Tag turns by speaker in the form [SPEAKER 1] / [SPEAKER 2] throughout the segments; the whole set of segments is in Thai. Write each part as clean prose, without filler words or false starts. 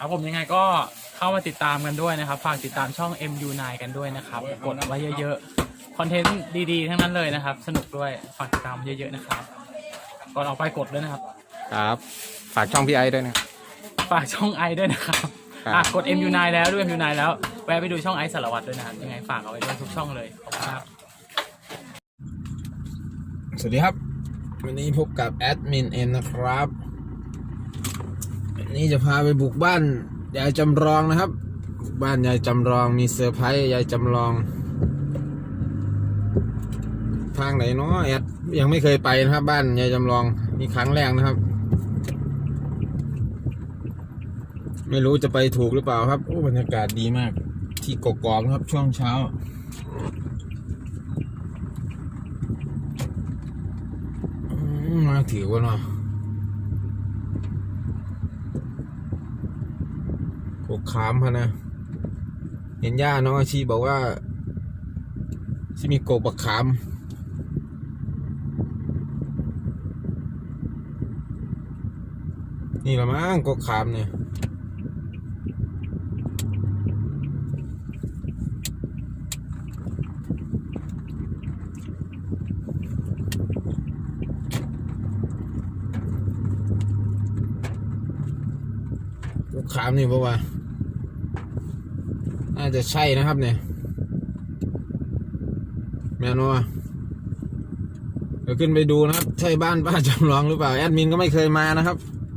[SPEAKER 1] ครับผมยังไงก็เข้ามาติดตามกันด้วยนะครับฝากติดตามช่อง MU9 กันด้วยนะครับกดไว้เยอะๆคอนเทนต์ดีๆทั้งนั้นเลยนะครับสนุกด้วยฝากติดตามเยอะๆนะครับก่อนออกไปกดด้วยนะครับ
[SPEAKER 2] ครับฝากช่องพี่ไอด้วยนะ
[SPEAKER 1] ฝากช่องไอด้วยนะครับกด MU9 แล้วด้วย MU9 แล้วแวะไปดูช่องไอสารวัตรด้วยนะครับยังไงฝากเอาไว้ด้วยทุกช่องเลยขอบคุณครับ
[SPEAKER 2] สวัสดีครับวันนี้พบกับแอดมินเอ็มนะครับวันนี้จะพาไปบุกบ้านยายจำลองนะครับบ้านยายจำลองมีเซอร์ไพรส์ยายจำลองทางไหนเนาะแอดยังไม่เคยไปนะครับบ้านยายจำลองนี่ครั้งแรกนะครับไม่รู้จะไปถูกหรือเปล่าครับโอ้บรรยากาศดีมากที่กกอกนะครับช่วงเช้ามาถือว่าเนาะกกขามพะนะเห็นย่าน้องอาชีบอกว่าที่มีกกบักขามนี่ละมั้งกกขามเนี่ยกกขามนี่บอกว่าน่าจะใช่นะครับเนี่ยแม่นว่าเดี๋ยวขึ้นไปดูนะครับใช่บ้านป้าจำลองหรือเปล่าแอดมินก็ไม่เคยมานะครับ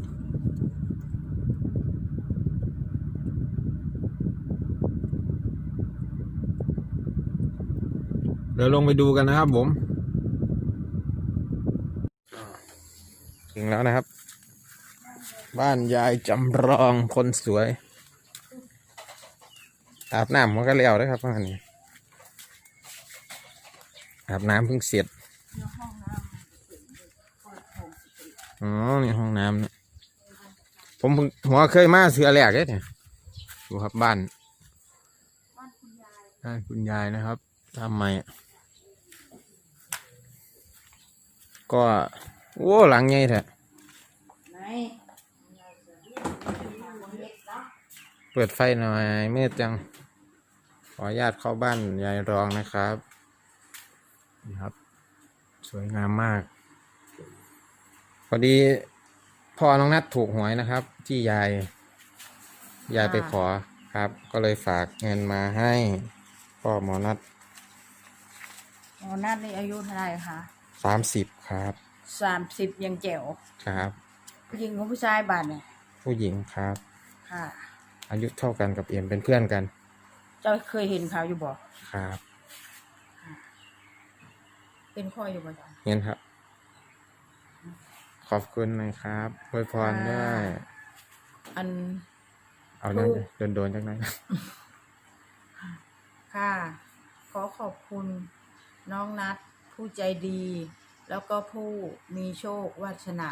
[SPEAKER 2] เดี๋ยวลงไปดูกันนะครับผมถึงแล้วนะครับบ้านยายจำลองคนสวยอาบน้ำมันก็เลี้ยวด้วยครับบ้านนี้อาบน้ำเพิ่งเสร็จอ๋อนี่ห้องน้ำเนี่ยผมหัวเคยมาเสือแหลกเลยเนี่ยดูครับบ้านคุณยายนะครับทำไมก็โอ้หลังใหญ่แท้เปิดไฟหน่อยมืดจังขออนุญาตเข้าบ้านยายรองนะครับนี่ครับสวยงามมากพอดีพ่อน้องนัทถูกหวยนะครับที่ยายไปขอครับก็เลยฝากเงินมาให้พ่อหมอนัท
[SPEAKER 3] หมอนัทนี่อายุเท่าไหร่คะ
[SPEAKER 2] 30ครับ
[SPEAKER 3] 30ยังแจ๋ว
[SPEAKER 2] ครับ
[SPEAKER 3] ผู้หญิงกับผู้ชายบ้านเนี่ย
[SPEAKER 2] ผู้หญิงครับ
[SPEAKER 3] ค่ะ
[SPEAKER 2] อายุเท่ากันกับเอ็มเป็นเพื่อนกัน
[SPEAKER 3] เจ้าเคยเห็นเขาอยู่บ่
[SPEAKER 2] ครับ
[SPEAKER 3] เป็นพ่ออยู่บ่จ๊ะ
[SPEAKER 2] เห็นครับขอบคุณนะครับอวยพรด้วย
[SPEAKER 3] อัน
[SPEAKER 2] เอานั่นโดนจังไหน
[SPEAKER 3] ค่ะขอบคุณน้องนัทผู้ใจดี แล้วก็ผู้มีโชควาสนา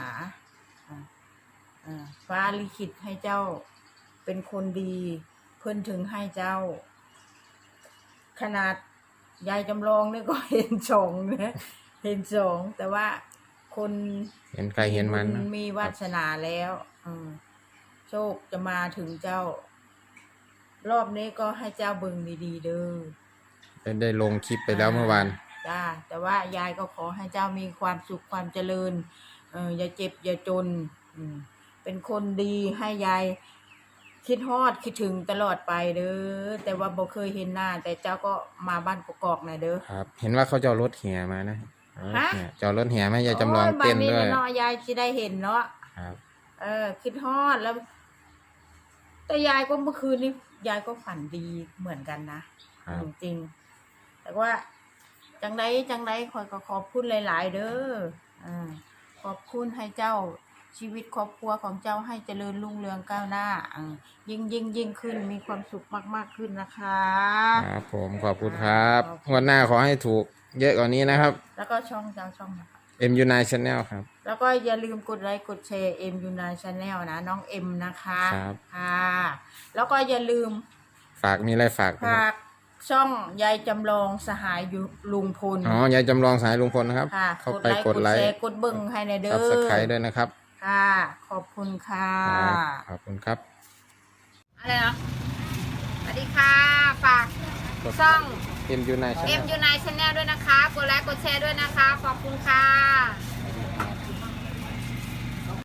[SPEAKER 3] ฟ้าลิขิตให้เจ้าเป็นคนดีเพิ่นถึงให้เจ้าขนาดยายจำลองนี่ก็เห็นสองนะเห็นสองแต่ว่าคน
[SPEAKER 2] เห็นใครเห็นมัน
[SPEAKER 3] มีวาสนาแล้วโชคจะมาถึงเจ้า รอบนี้ก็ให้เจ้าเบิ่งดีๆเด้อ
[SPEAKER 2] ได้ลงคลิปไปแล้วเมื่อวาน
[SPEAKER 3] จ้าแต่ว่ายายก็ขอให้เจ้ามีความสุขความเจริญอย่าเจ็บอย่าจนเป็นคนดีให้ยายคิดฮอดคิดถึงตลอดไปเด้อแต่ว่าบ่เคยเห็นหน้าแต่เจ้าก็มาบ้านกอกๆหน่อยเด้อ
[SPEAKER 2] ครับเห็นว่าเขาจะเอารถแห่มานะจะเอารถแห่มายายจำลองเต้นด้วย
[SPEAKER 3] เนาะยายสิได้เห็นเนาะ
[SPEAKER 2] ครับ
[SPEAKER 3] คิดฮอดแล้วแต่ยายก็เมื่อคืนนี้ยายก็ฝันดีเหมือนกันนะจริงแต่ว่าจังไดคอยก็ขอบคุณหลายๆเด้อขอบคุณให้เจ้าชีวิตครอบครัวของเจ้าให้เจริญรุ่งเรืองก้าวหน้ายิ่งขึ้นมีความสุขมากๆขึ้นนะคะ
[SPEAKER 2] ครับผมขอบคุณครับวันหน้าขอให้ถูกเยอะกว่านี้นะครับ
[SPEAKER 3] แล้วก็ช่องเจ้าช่องนะคะ
[SPEAKER 2] MU9 Channel ครับ
[SPEAKER 3] แล้วก็อย่าลืมกดไลค์กดแชร์ MU9 Channel นะน้องเอ็มนะคะ
[SPEAKER 2] ครับ
[SPEAKER 3] ค่ะแล้วก็อย่าลืม
[SPEAKER 2] ฝากมีอะไรฝาก
[SPEAKER 3] ช่องยายจำลองสหายลุงพล
[SPEAKER 2] ยายจำลองสหายลุงพลนะครับ
[SPEAKER 3] เข้าไปกดไลค์กดเบิ่งให้ในเด้อ
[SPEAKER 2] Subscribe ด้วยนะครับ
[SPEAKER 3] ค่ะขอบคุณค่ะ
[SPEAKER 2] ขอบคุณครับ
[SPEAKER 3] อะไรนะสวัสดีค่ะฝากช่อง
[SPEAKER 2] MU9 Channel
[SPEAKER 3] MU9 Channel ด้วยนะคะ กดไลค์กดแชร์ด้วยนะคะ ขอบคุณค่ะ